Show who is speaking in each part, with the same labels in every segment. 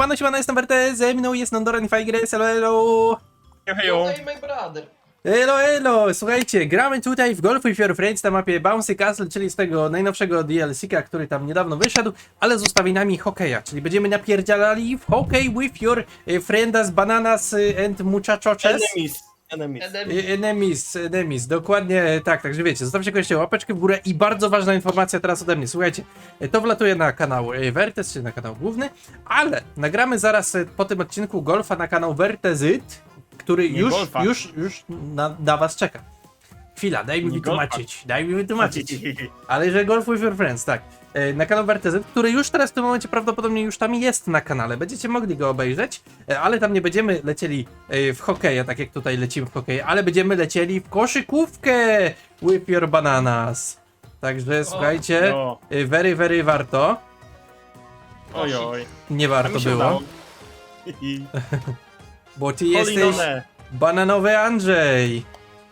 Speaker 1: siemano, jestem Werte, ze mną jest Nondoran i Fajgres, elo.
Speaker 2: Hejo.
Speaker 3: Hey, my brother.
Speaker 1: Elo, słuchajcie, gramy tutaj w Golf with Your Friends na mapie Bouncy Castle, czyli z tego najnowszego DLC-ka, który tam niedawno wyszedł, ale z ustawieniami hokeja, czyli będziemy napierdzielali w hokej with your friendas, bananas and muchachoches. Enemies, dokładnie tak, także wiecie, zostawcie koniecznie łapeczkę w górę i bardzo ważna informacja teraz ode mnie, słuchajcie, to wlatuje na kanał Wertes, czy na kanał główny, ale nagramy zaraz po tym odcinku golfa na kanał Wertezyt, który już na was czeka. Chwila, daj mi wytłumaczyć. Ale że Golf with Your Friends, tak. Na kanał Wertezyt, który już teraz w tym momencie prawdopodobnie już tam jest na kanale. Będziecie mogli go obejrzeć, ale tam nie będziemy lecieli w hokeja, tak jak tutaj lecimy w hokeja, ale będziemy lecieli w koszykówkę with your bananas. Także słuchajcie, very warto.
Speaker 2: Ojoj.
Speaker 1: Nie warto było,
Speaker 2: Udało.
Speaker 1: bo ty jesteś bananowy Andrzej.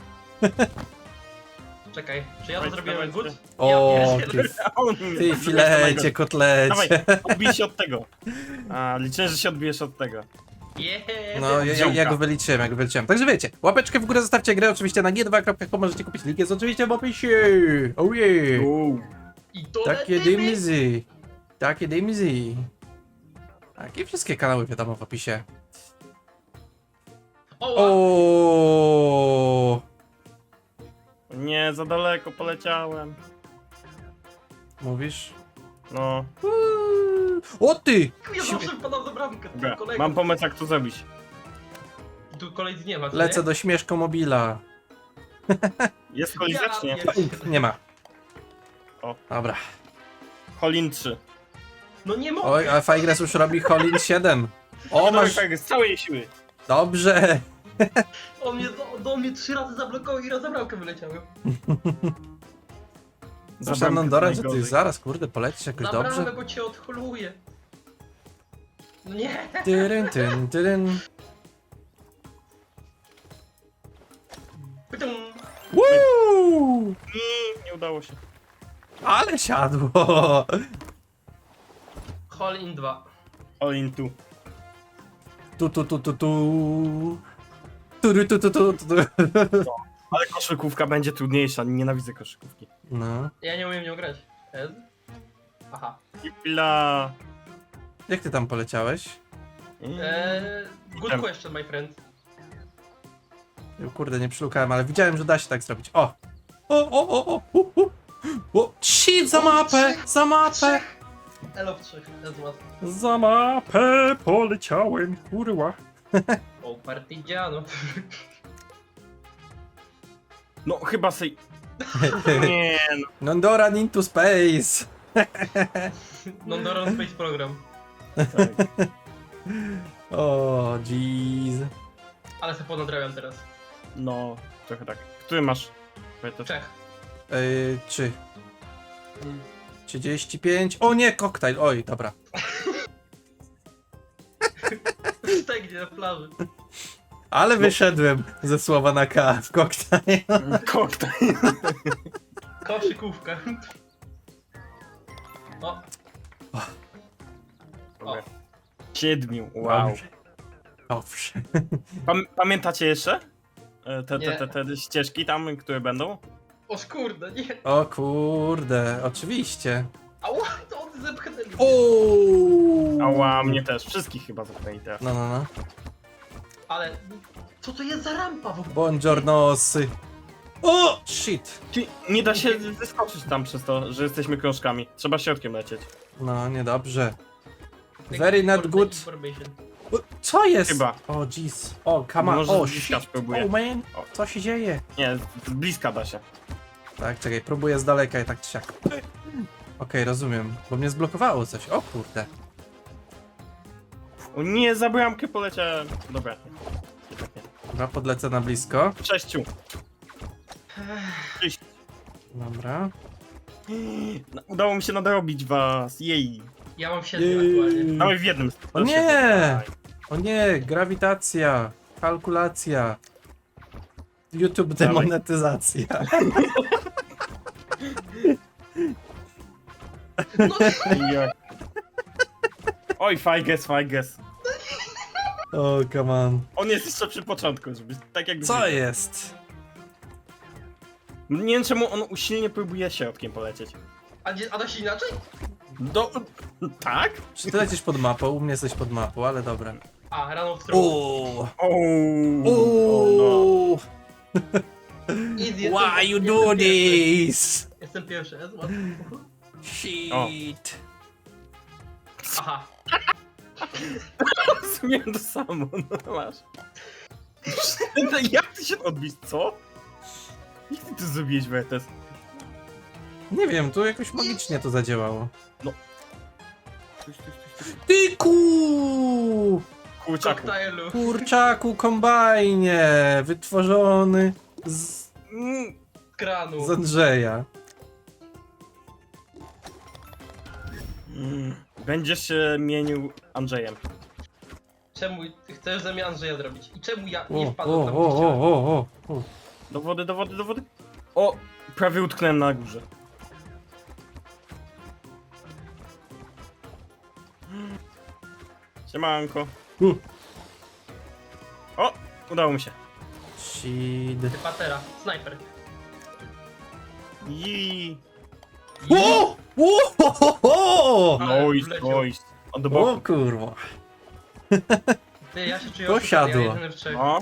Speaker 3: Czekaj, czy ja to zrobiłem good?
Speaker 1: O,
Speaker 3: Ja
Speaker 1: ty filecie, kotlecie.
Speaker 2: Dawaj, odbij się od tego. A, liczę, że się odbijesz od tego.
Speaker 1: No, ja go wyliczyłem, Także wiecie, łapeczkę w górę zostawcie, grę oczywiście na g2.com, możecie kupić, link jest oczywiście w opisie. Oh yeah.
Speaker 3: I to
Speaker 1: Takie dymzy. Tak, i wszystkie kanały wiadomo w opisie. O.
Speaker 2: Nie, za daleko poleciałem.
Speaker 1: Mówisz?
Speaker 2: No.
Speaker 1: O ty!
Speaker 3: Ja zawsze wpadam za bramkę,
Speaker 2: Dobra,
Speaker 3: kolega.
Speaker 2: mam pomysł, jak to zrobić.
Speaker 3: Tu kolej nie ma, co
Speaker 1: Lecę
Speaker 3: nie?
Speaker 1: do śmieszko mobila.
Speaker 2: Jest kolizacznie.
Speaker 1: Nie ma.
Speaker 2: O.
Speaker 1: Dobra.
Speaker 2: Holin 3.
Speaker 3: No nie mogę.
Speaker 1: Oj, a Fajgres już robi Holin 7. O, masz...
Speaker 2: Z całej siły.
Speaker 1: Dobrze.
Speaker 3: On mnie do mnie 3 razy zablokował i raz za bramkę wyleciałem.
Speaker 1: Proszę Nondoran, że ty zaraz, kurde, polecisz jakoś
Speaker 3: Na
Speaker 1: dobrze.
Speaker 3: bramę, bo cię odholuje. No nie.
Speaker 1: Tyryn.
Speaker 3: Pytum.
Speaker 1: Woo!
Speaker 2: Nie udało się.
Speaker 1: Ale siadło.
Speaker 3: Hall in 2.
Speaker 2: Holin 2.
Speaker 1: Tu.
Speaker 2: Ale koszykówka będzie trudniejsza, nienawidzę koszykówki.
Speaker 1: No.
Speaker 3: Ja nie umiem nią grać. Ez? Aha.
Speaker 2: I pila.
Speaker 1: Jak ty tam poleciałeś?
Speaker 3: Good question, my friend.
Speaker 1: Kurde, nie przylukałem, ale widziałem, że da się tak zrobić. O! Shit, za mapę!
Speaker 3: Elo w 3, ez łatwo.
Speaker 1: Za mapę poleciałem, kurwa.
Speaker 3: O, partigiano.
Speaker 2: No chyba sej. Nie no.
Speaker 1: Nondoran into space!
Speaker 3: Non-Doron Space Program.
Speaker 2: Tak.
Speaker 1: O, jeez.
Speaker 3: Ale se ponadrabiam teraz.
Speaker 2: No, trochę tak. Który masz? Pamiętasz?
Speaker 3: Czech.
Speaker 1: 3. 35. O nie, koktajl. Oj, dobra.
Speaker 3: Stegnie na plaży.
Speaker 1: Ale wyszedłem ze słowa na K w koktajl.
Speaker 2: Koktajl.
Speaker 3: Koszykówka. O,
Speaker 2: Dobra. 7, wow.
Speaker 1: Owszem.
Speaker 2: Pamiętacie jeszcze?
Speaker 3: Nie.
Speaker 2: Te ścieżki tam, które będą?
Speaker 3: o kurde, nie.
Speaker 1: O kurde, oczywiście.
Speaker 3: Ała, to on zepchnęli.
Speaker 1: O.
Speaker 2: Ała, mnie też. Wszystkich chyba zapytali teraz.
Speaker 1: No.
Speaker 3: Ale, co to jest za rampa w ogóle?
Speaker 1: Buongiornosy. O, shit.
Speaker 2: Nie da się wyskoczyć tam przez to, że jesteśmy krążkami. Trzeba środkiem lecieć.
Speaker 1: No, niedobrze. Very not good.
Speaker 3: Information.
Speaker 1: Co jest?
Speaker 2: Chyba.
Speaker 1: O, jeez. O, come on.
Speaker 2: Może
Speaker 1: O,
Speaker 2: z bliska
Speaker 1: shit.
Speaker 2: spróbuję.
Speaker 1: Oh, man.
Speaker 2: O.
Speaker 1: Co się dzieje?
Speaker 2: Nie, z bliska da się.
Speaker 1: Tak, czekaj, próbuję z daleka i tak czy siak. Okej, rozumiem. Bo mnie zblokowało coś. O kurde.
Speaker 2: O nie, za bramkę poleciałem. Dobra.
Speaker 1: Dobra, podlecę na blisko.
Speaker 2: 6.
Speaker 1: Dobra.
Speaker 2: Udało mi się nadrobić was. Jej.
Speaker 3: Ja mam 7 aktualnie.
Speaker 2: Dawaj w jednym.
Speaker 1: O nie! O nie, grawitacja. Kalkulacja. YouTube demonetyzacja.
Speaker 3: No,
Speaker 2: Jak Oj, Fajges.
Speaker 1: O, come on.
Speaker 2: On jest jeszcze przy początku, żeby tak jak...
Speaker 1: Co jest?
Speaker 2: Nie wiem czemu on usilnie próbuje środkiem polecieć.
Speaker 3: A da się inaczej?
Speaker 2: Tak?
Speaker 1: Czy ty lecisz pod mapą? U mnie jesteś pod mapą, ale dobra.
Speaker 3: A, rano w stronę.
Speaker 1: Uuu.
Speaker 2: O,
Speaker 1: Uuu.
Speaker 3: Easy,
Speaker 1: Why you
Speaker 3: jestem
Speaker 1: do
Speaker 3: pierwszy.
Speaker 1: this?
Speaker 3: Jestem pierwszy, jest łatwo.
Speaker 1: Shit.
Speaker 3: Aha.
Speaker 2: Rozumiem to samo, no masz. Jak ty się odbić, co? Jak ty to zrobiłeś, Wertes?
Speaker 1: Nie wiem, tu jakoś magicznie to zadziałało.
Speaker 2: Coś.
Speaker 1: Tyku!
Speaker 2: Kurczaku.
Speaker 3: Koktajlu.
Speaker 1: Kurczaku kombajnie! Wytworzony z
Speaker 3: Kranu.
Speaker 1: Andrzeja.
Speaker 2: Będziesz się mienił Andrzejem.
Speaker 3: Czemu chcesz ze mnie Andrzeja zrobić? I czemu ja nie
Speaker 1: O,
Speaker 3: wpadłem tam,
Speaker 1: o,
Speaker 3: gdzie chciałem?
Speaker 1: o.
Speaker 2: Do wody. O! Prawie utknąłem na górze. Siemanko. O! Udało mi się.
Speaker 1: Shit.
Speaker 3: Ty patera, snajper.
Speaker 2: Jii.
Speaker 1: O! O!
Speaker 3: Ale
Speaker 2: Oj,
Speaker 3: wleciał.
Speaker 2: oj. O, do
Speaker 1: O
Speaker 2: boku.
Speaker 1: kurwa.
Speaker 3: Ty, ja się czuję
Speaker 1: To
Speaker 3: oszukany,
Speaker 1: siadło.
Speaker 3: ja jedyny w trzech.
Speaker 2: No.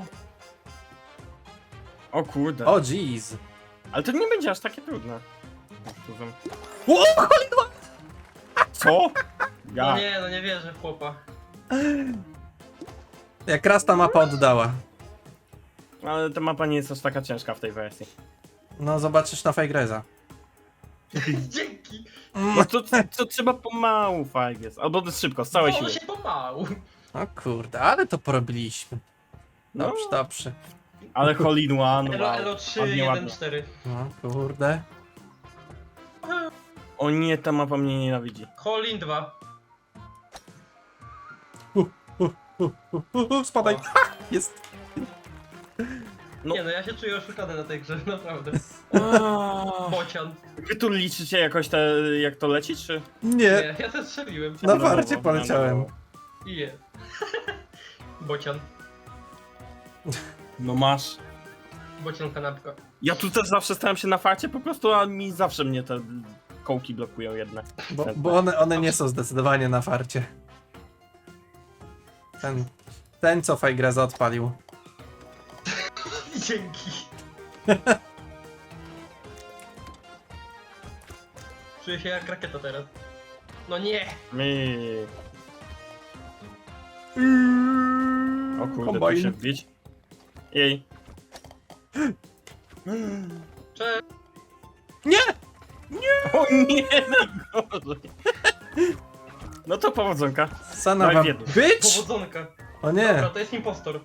Speaker 2: O kurde.
Speaker 1: O jeez.
Speaker 2: Ale to nie będzie aż takie trudne.
Speaker 1: O, cholera!
Speaker 2: Co? Ja.
Speaker 3: No nie wierzę w chłopa.
Speaker 1: Jak raz ta mapa oddała.
Speaker 2: Ale ta mapa nie jest aż taka ciężka w tej wersji.
Speaker 1: No zobaczysz na Fajgreza.
Speaker 3: Dzięki.
Speaker 2: No to trzeba pomału, Fajges. Albo szybko, z całej
Speaker 3: Ono
Speaker 2: siły.
Speaker 3: się pomału.
Speaker 1: O kurde, ale to porobiliśmy. Dobrze,
Speaker 2: No.
Speaker 1: dobrze.
Speaker 2: Ale hole in one,
Speaker 3: Elo,
Speaker 2: wow.
Speaker 3: elo 3,
Speaker 2: Ładnie,
Speaker 3: 1,
Speaker 2: ładnie.
Speaker 3: 4.
Speaker 1: No kurde.
Speaker 2: O nie, ta mapa mnie nienawidzi.
Speaker 3: Holin 2.
Speaker 1: Spadaj.
Speaker 3: O.
Speaker 1: Ha! Jest.
Speaker 2: No.
Speaker 3: Nie no, ja się czuję oszukany na tej grze, naprawdę. Bocian.
Speaker 2: Wy tu liczycie jakoś te, jak to leci, czy?
Speaker 1: Nie.
Speaker 3: Nie, ja też strzeliłem.
Speaker 1: Na warcie poleciałem.
Speaker 3: I je. Bocian.
Speaker 2: No masz.
Speaker 3: Bocian kanapka.
Speaker 2: Ja tu też zawsze stałem się na farcie po prostu, a mi zawsze mnie te kołki blokują jedne.
Speaker 1: Bo one nie są zdecydowanie na farcie. Ten co Fajgreza odpalił.
Speaker 3: Dzięki. Czuję się jak rakieta teraz. No nie!
Speaker 2: Mi. O kurde, tu
Speaker 1: Kombajn.
Speaker 2: się wbić. Jej.
Speaker 3: Cześć!
Speaker 1: Nie!
Speaker 2: O nie, najgorzej. No to powodzonka.
Speaker 1: Sana
Speaker 2: Daj
Speaker 1: wam
Speaker 2: w jednym.
Speaker 1: być!
Speaker 3: Powodzonka.
Speaker 1: O nie!
Speaker 3: Dobra, to jest impostor.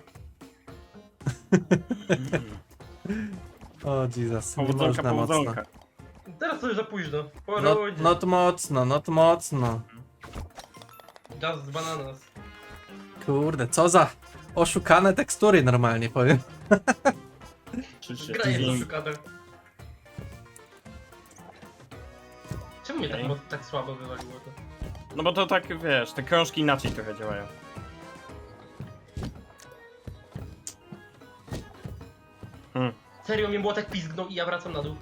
Speaker 1: O Jesus, nie
Speaker 2: Powodzonka,
Speaker 1: można mocno.
Speaker 2: powodzonka.
Speaker 3: Teraz to już za późno. Po
Speaker 1: Not,
Speaker 3: rundzie.
Speaker 1: not mocno, not mocno.
Speaker 3: Just bananas.
Speaker 1: Kurde, co za oszukane tekstury normalnie powiem.
Speaker 2: Czy się
Speaker 3: Gra jest
Speaker 2: tydzień-
Speaker 3: oszukana. Czemu mnie
Speaker 2: Okej.
Speaker 3: tak słabo wywaliło to?
Speaker 2: No bo to tak, wiesz, te krążki inaczej trochę działają.
Speaker 3: Serio, mnie młotek pizgnął i ja wracam na dół.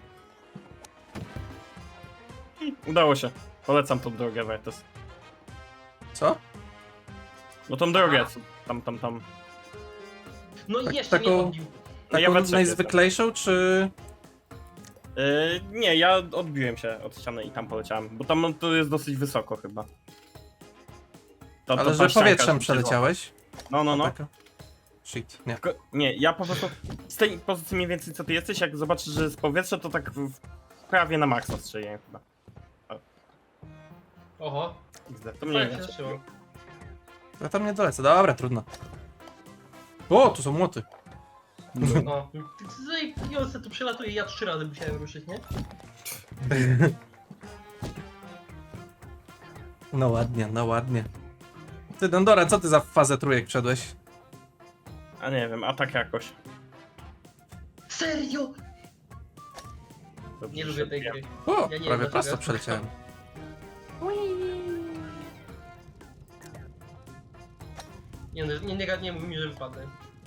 Speaker 2: Udało się. Polecam tą drogę, Wertes.
Speaker 1: Co?
Speaker 2: No tą drogę,
Speaker 3: A.
Speaker 2: tam.
Speaker 3: No i
Speaker 1: Tak-
Speaker 3: jeszcze
Speaker 1: taką-
Speaker 3: mnie odbił.
Speaker 2: No ja
Speaker 1: Taką
Speaker 2: we trzech
Speaker 1: najzwyklejszą, czy...
Speaker 2: Nie, ja odbiłem się od ściany i tam poleciałem, bo tam to jest dosyć wysoko chyba. To
Speaker 1: Ale
Speaker 2: ta
Speaker 1: że
Speaker 2: ścianka
Speaker 1: powietrzem
Speaker 2: jest
Speaker 1: przeleciałeś?
Speaker 2: No.
Speaker 1: Taka. Shit, nie.
Speaker 2: Tylko, nie, ja po prostu z tej pozycji mniej więcej co ty jesteś, jak zobaczysz, że jest powietrze, to tak prawie na maksa strzeliłem chyba.
Speaker 3: Oho,
Speaker 2: To mnie
Speaker 3: fajnie
Speaker 2: nie
Speaker 3: się zaczęło.
Speaker 1: Ja tam nie dolecę, dobra, trudno. O, tu są młoty.
Speaker 3: No, Jolce tu przelatuje, ja 3 razy musiałem ruszyć, nie?
Speaker 1: No ładnie, no ładnie. Ty, Dondora, co ty za fazę trójek wszedłeś?
Speaker 2: A nie wiem, a tak jakoś.
Speaker 3: Serio?
Speaker 2: Dobrze,
Speaker 3: Nie
Speaker 2: że
Speaker 3: lubię tej
Speaker 2: ja-
Speaker 3: gry.
Speaker 1: O,
Speaker 3: Ja nie
Speaker 1: prawie
Speaker 3: wiem,
Speaker 1: prosto
Speaker 3: dlaczego.
Speaker 1: przeleciałem.
Speaker 3: Nie mów mi, że wypadnę.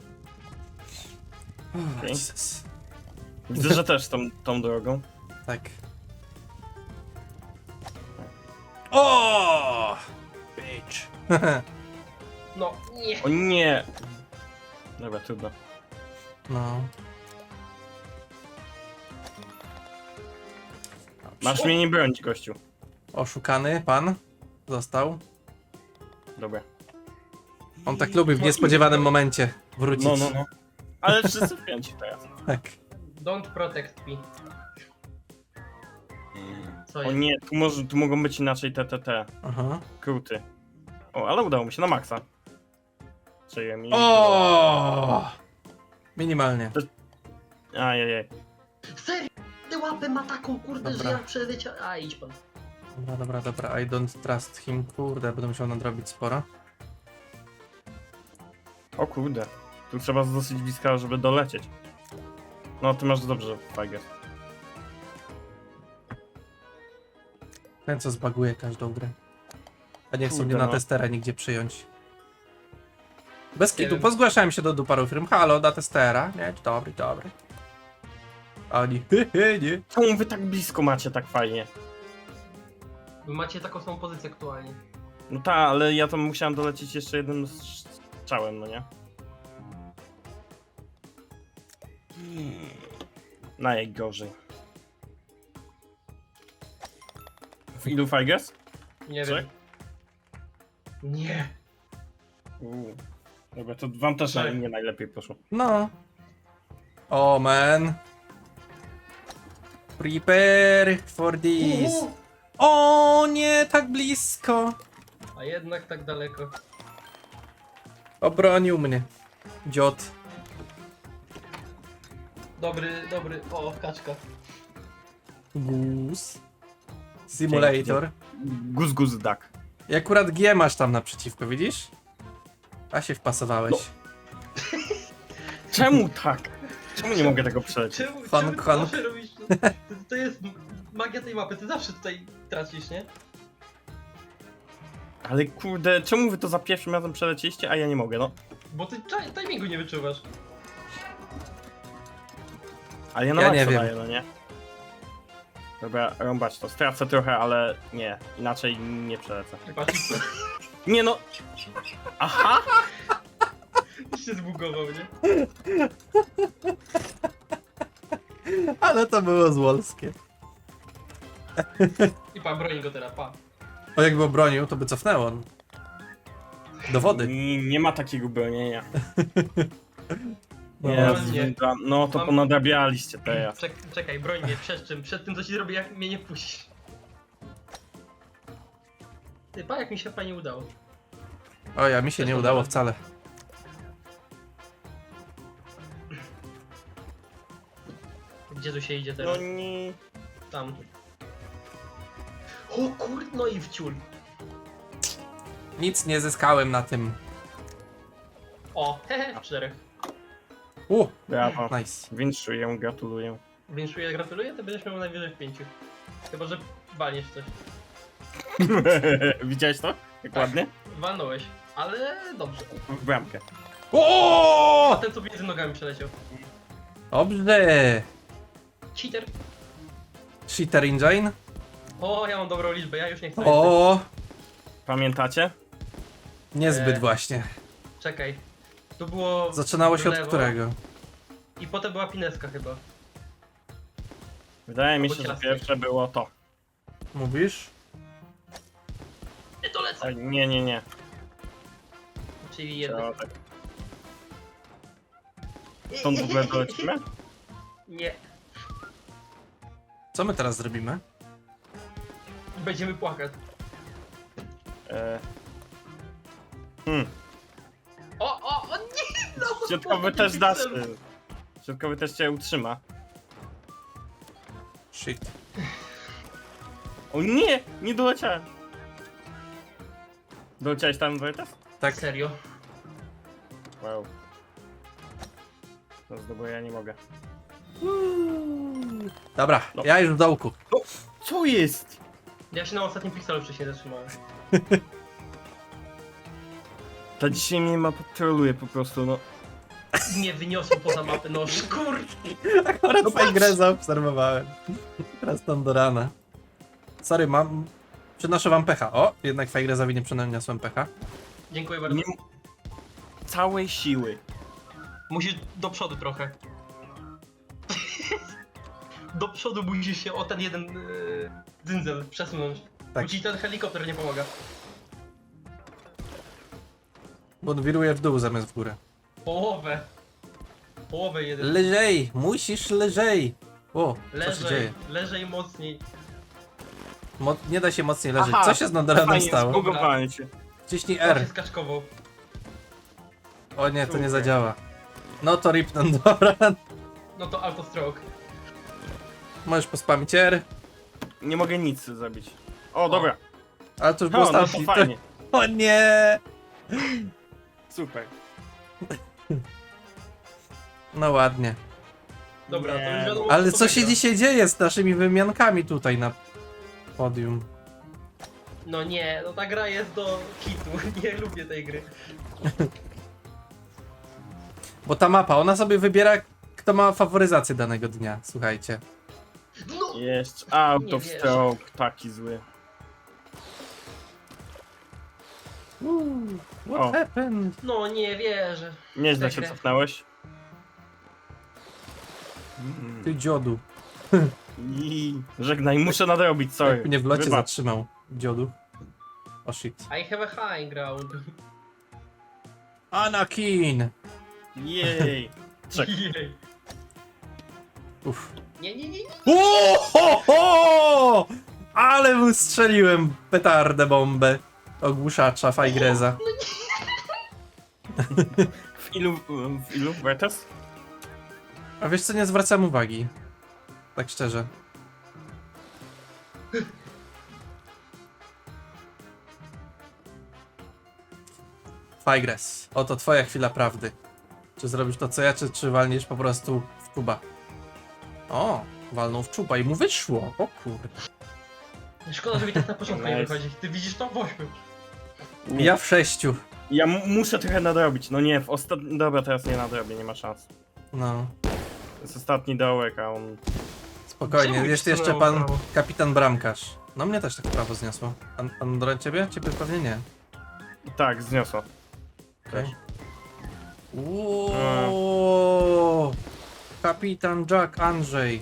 Speaker 1: Oh,
Speaker 2: Okej.
Speaker 1: Jesus.
Speaker 2: Widzę, że też tą drogą.
Speaker 1: Tak. O! Bitch.
Speaker 3: No, nie.
Speaker 2: O nie! Dobra, trudno.
Speaker 1: No.
Speaker 2: Masz mnie nie bronić, gościu.
Speaker 1: Oszukany pan został.
Speaker 2: Dobra.
Speaker 1: On tak lubi w niespodziewanym momencie wrócić.
Speaker 2: No. Ale wszyscy wpięci teraz.
Speaker 1: Tak.
Speaker 3: Don't protect me. Co
Speaker 2: O
Speaker 3: jest?
Speaker 2: nie, tu mogą być inaczej te
Speaker 1: Aha.
Speaker 2: kruty. O, ale udało mi się na maksa. Czyli mi...
Speaker 1: O! Minimalnie.
Speaker 2: Ajajaj.
Speaker 3: Serio? Ty łapę ma taką, kurde,
Speaker 1: Dobra.
Speaker 3: że ja przeleciałem. A, idź pan.
Speaker 1: Dobra. I don't trust him. Kurde, będę musiał nadrobić sporo.
Speaker 2: O kurde. Tu trzeba z dosyć bliska, żeby dolecieć. No, ty masz dobrze, Fajger.
Speaker 1: Ten co zbaguje każdą grę. A nie chcą
Speaker 2: Kurde,
Speaker 1: mnie na
Speaker 2: no.
Speaker 1: testera nigdzie przyjąć. Bez
Speaker 3: Nie
Speaker 1: kitu,
Speaker 3: wiem.
Speaker 1: pozgłaszałem się do paru firm. Halo, na testera. Nie, dobry. A oni, nie.
Speaker 2: Czemu wy tak blisko macie tak fajnie?
Speaker 3: Wy macie taką samą pozycję aktualnie.
Speaker 2: No tak, ale ja tam musiałem dolecieć jeszcze jednym strzałem, no nie? Najgorzej. W ilu Fighters?
Speaker 3: Nie
Speaker 2: Co?
Speaker 3: wiem. Nie.
Speaker 2: Dobra, to wam też
Speaker 3: Tak.
Speaker 2: nie najlepiej poszło.
Speaker 1: No. O man. Prepare for this. O nie, tak blisko.
Speaker 3: A jednak tak daleko.
Speaker 1: Obronił mnie. Dziot.
Speaker 3: Dobry. O, kaczka.
Speaker 1: Goose. Simulator.
Speaker 2: Guz duck.
Speaker 1: I akurat G masz tam naprzeciwko, widzisz? A się wpasowałeś.
Speaker 2: No. Czemu tak? Czemu nie mogę tego przelecieć?
Speaker 3: Czemu
Speaker 1: Fan
Speaker 3: ty
Speaker 1: Kong.
Speaker 3: zawsze robisz to jest magia tej mapy, ty zawsze tutaj tracisz, nie?
Speaker 2: Ale kurde, czemu wy to za pierwszym razem przelecieliście, a ja nie mogę, no?
Speaker 3: Bo ty timingu nie wyczuwasz.
Speaker 2: Ale ja na
Speaker 1: Ja
Speaker 2: maksa
Speaker 1: nie wiem.
Speaker 2: daję, no nie? Dobra, rąbać to. Stracę trochę, ale nie. Inaczej nie przelecę.
Speaker 3: Patrz,
Speaker 2: Nie no! Aha!
Speaker 3: się zbugował, nie?
Speaker 1: Ale to było złolskie.
Speaker 3: I pa, broń go teraz, pa.
Speaker 1: O, jakby obronił, to by cofnęło. Do wody.
Speaker 2: Nie ma takiego bronienia.
Speaker 1: No,
Speaker 3: nie.
Speaker 2: No to
Speaker 3: Mam-
Speaker 2: ponadrabialiście teraz.
Speaker 3: Czekaj, broń mnie, przed czym? Przed tym, co ci zrobię, jak mnie nie puścisz. Ty, pa, jak mi się fajnie udało.
Speaker 1: O, ja mi się nie udało wcale.
Speaker 3: Gdzie tu się idzie
Speaker 2: No
Speaker 3: teraz?
Speaker 2: nie.
Speaker 3: Tam. O kurde, no i wciul.
Speaker 1: Nic nie zyskałem na tym.
Speaker 3: O, hehe, 4.
Speaker 2: Brawo.
Speaker 1: Nice.
Speaker 2: Winszuję, gratuluję.
Speaker 3: Winszuję, gratuluję, to będziesz miał najwyżej w 5. Chyba, że walniesz coś.
Speaker 2: Widziałeś to? Jak
Speaker 3: Tak.
Speaker 2: ładnie?
Speaker 3: Walnąłeś, ale dobrze.
Speaker 2: W bramkę.
Speaker 3: A
Speaker 1: O!
Speaker 3: ten, co między nogami przeleciał.
Speaker 1: Dobrze.
Speaker 3: Cheater.
Speaker 1: Cheater engine.
Speaker 3: O, ja mam dobrą liczbę, ja już nie chcę.
Speaker 1: O!
Speaker 2: Pamiętacie?
Speaker 1: Niezbyt właśnie.
Speaker 3: Czekaj. Tu było...
Speaker 1: Zaczynało się
Speaker 3: w
Speaker 1: od
Speaker 3: lewo
Speaker 1: którego?
Speaker 3: I potem była pineska chyba.
Speaker 2: Wydaje mi
Speaker 3: Albo
Speaker 2: się, że
Speaker 3: ciastek.
Speaker 2: pierwsze było to.
Speaker 1: Mówisz?
Speaker 3: Nie to lecę!
Speaker 2: Oj, nie.
Speaker 3: Czyli jedno.
Speaker 2: To tak. Stąd w ogóle dolecimy?
Speaker 3: Nie.
Speaker 1: Co my teraz zrobimy?
Speaker 3: Będziemy płakać.
Speaker 2: E,
Speaker 3: O nie! No,
Speaker 2: Środkowy też dasz. Środkowy też cię utrzyma.
Speaker 1: Shit.
Speaker 2: O nie! Nie doleciałem. Doleciałeś tam, Wojtas?
Speaker 1: Tak.
Speaker 3: Serio?
Speaker 2: Wow. No znowu ja nie mogę.
Speaker 1: Dobra,
Speaker 2: No.
Speaker 1: ja już w dołku.
Speaker 2: Co jest?
Speaker 3: Ja się na ostatnim pikselu wcześniej zatrzymałem.
Speaker 2: Ta dzisiaj mnie ma patroluje po prostu, no.
Speaker 3: Mnie wyniosło poza mapę, no szkur!
Speaker 1: Akurat
Speaker 2: No
Speaker 1: twoją
Speaker 2: patrz.
Speaker 1: grę zaobserwowałem. Teraz tam do rana. Sorry, przynoszę wam pecha. O, jednak twoja grę zawinie przeniosłem pecha.
Speaker 3: Dziękuję bardzo.
Speaker 2: Nie... Całej siły.
Speaker 3: Musisz do przodu trochę. Do przodu musisz się o ten jeden dzyndzel przesunąć.
Speaker 1: Tak.
Speaker 3: Bo ci ten helikopter nie pomaga.
Speaker 1: Bo on wiruje w dół zamiast w górę.
Speaker 3: Połowę. Połowę jeden.
Speaker 1: Lżej, musisz lżej. O, co się dzieje?
Speaker 3: Leżej mocniej.
Speaker 1: Nie da się mocniej leżeć.
Speaker 2: Aha,
Speaker 1: Co się z Nandoranem
Speaker 2: Fajnie,
Speaker 1: stało?
Speaker 2: zbugowałem się.
Speaker 1: Wciśnij
Speaker 3: R. się
Speaker 1: R.
Speaker 3: skaczkował.
Speaker 1: O nie, to nie
Speaker 2: Super.
Speaker 1: zadziała. No to rip Nandoran.
Speaker 3: No to autostroke.
Speaker 1: Możesz pospamić R.
Speaker 2: Nie mogę nic zrobić. O, dobra.
Speaker 1: Ale to już było
Speaker 2: No, no to
Speaker 1: ostatni.
Speaker 2: fajnie.
Speaker 1: O nie!
Speaker 2: Super.
Speaker 1: No ładnie.
Speaker 3: Dobra, to
Speaker 2: Nie,
Speaker 3: już wiadomo.
Speaker 1: Ale
Speaker 3: kto
Speaker 1: co się
Speaker 3: wygra.
Speaker 1: dzisiaj dzieje z naszymi wymiankami tutaj na podium?
Speaker 3: No nie, no ta gra jest do kitu. Nie lubię tej gry.
Speaker 1: Bo ta mapa, ona sobie wybiera, kto ma faworyzację danego dnia. Słuchajcie.
Speaker 3: No!
Speaker 2: Jeszcze out
Speaker 3: Nie
Speaker 2: of
Speaker 3: wierzę.
Speaker 2: stroke, taki zły.
Speaker 1: What
Speaker 2: O.
Speaker 1: happened?
Speaker 3: No nie wierzę.
Speaker 2: Nieźle się
Speaker 3: Czekaj.
Speaker 2: cofnąłeś.
Speaker 1: Ty dziodu.
Speaker 2: I żegnaj, muszę nadrobić, sorry.
Speaker 1: Jak mnie w locie
Speaker 2: Wybacz.
Speaker 1: zatrzymał. Dziodu. O shit.
Speaker 3: I have a high ground.
Speaker 1: Anakin!
Speaker 2: Jej. Czek.
Speaker 3: Jej.
Speaker 1: Uff.
Speaker 3: Nie, nie, nie, nie.
Speaker 1: O, ho, ho! Ale mu strzeliłem petardę bombę. Ogłuszacza Fajgreza.
Speaker 2: W ilu Vertes?
Speaker 1: A wiesz co, nie zwracam uwagi. Tak szczerze. Fajgres, oto twoja chwila prawdy. Czy zrobisz to co ja, czy walniesz po prostu w czuba? O, walnął w czuba i mu wyszło. O kurde.
Speaker 3: Szkoda, że mi tak na początku nie
Speaker 2: Nice.
Speaker 3: wychodzi. Ty widzisz to? W 8.
Speaker 2: Nie.
Speaker 1: Ja w 6.
Speaker 2: Ja muszę trochę nadrobić. No nie, w ostatnim... Dobra, teraz nie nadrobię, nie ma szans.
Speaker 1: No,
Speaker 2: To jest ostatni dołek, a on...
Speaker 1: spokojnie.
Speaker 3: Czemu
Speaker 1: Jest
Speaker 3: ci
Speaker 1: jeszcze
Speaker 3: stanęło
Speaker 1: pan
Speaker 3: prawo?
Speaker 1: kapitan Bramkarz. No mnie też tak prawo zniosło. Pan Doran ciebie? Ciebie pewnie nie.
Speaker 2: Tak, zniosło.
Speaker 1: Okej. Uuuu, kapitan Jack Andrzej.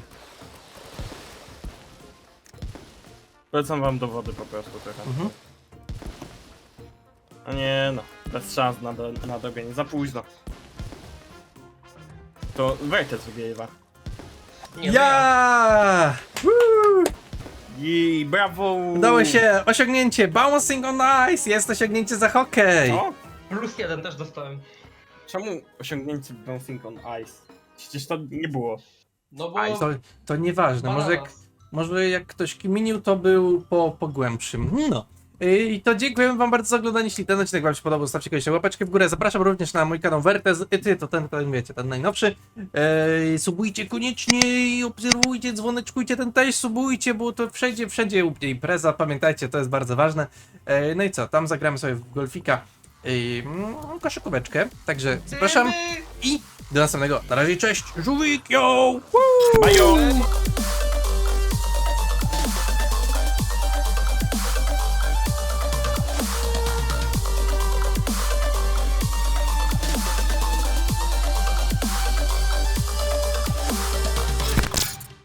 Speaker 2: Polecam wam dowody po prostu trochę.
Speaker 1: Mhm.
Speaker 2: A nie no, bez szans na nadrobienie, za późno. To Vertes wygrywa.
Speaker 3: Nie, no
Speaker 1: Ja! Woo!
Speaker 2: I brawo!
Speaker 1: Udało się! Osiągnięcie! Bouncing on ice! Jest osiągnięcie za hokej!
Speaker 2: Co?
Speaker 3: +1 też dostałem.
Speaker 2: Czemu osiągnięcie Bouncing on Ice? Przecież to nie było.
Speaker 3: No bo...
Speaker 1: To nieważne,
Speaker 3: bananas.
Speaker 1: może jak ktoś kminił, to był po głębszym. No. I to dziękujemy wam bardzo za oglądanie. Jeśli ten odcinek wam się podobał, zostawcie koniecznie łapeczkę w górę. Zapraszam również na mój kanał Vertes. To ten wiecie, ten najnowszy. Subujcie koniecznie i obserwujcie, dzwoneczkujcie ten też, subujcie, bo to wszędzie u mnie impreza. Pamiętajcie, to jest bardzo ważne. No i co, tam zagramy sobie w golfika. Koszykóweczkę. Także zapraszam i do następnego. Na razie, cześć, żółwik, yo!
Speaker 2: Bajo!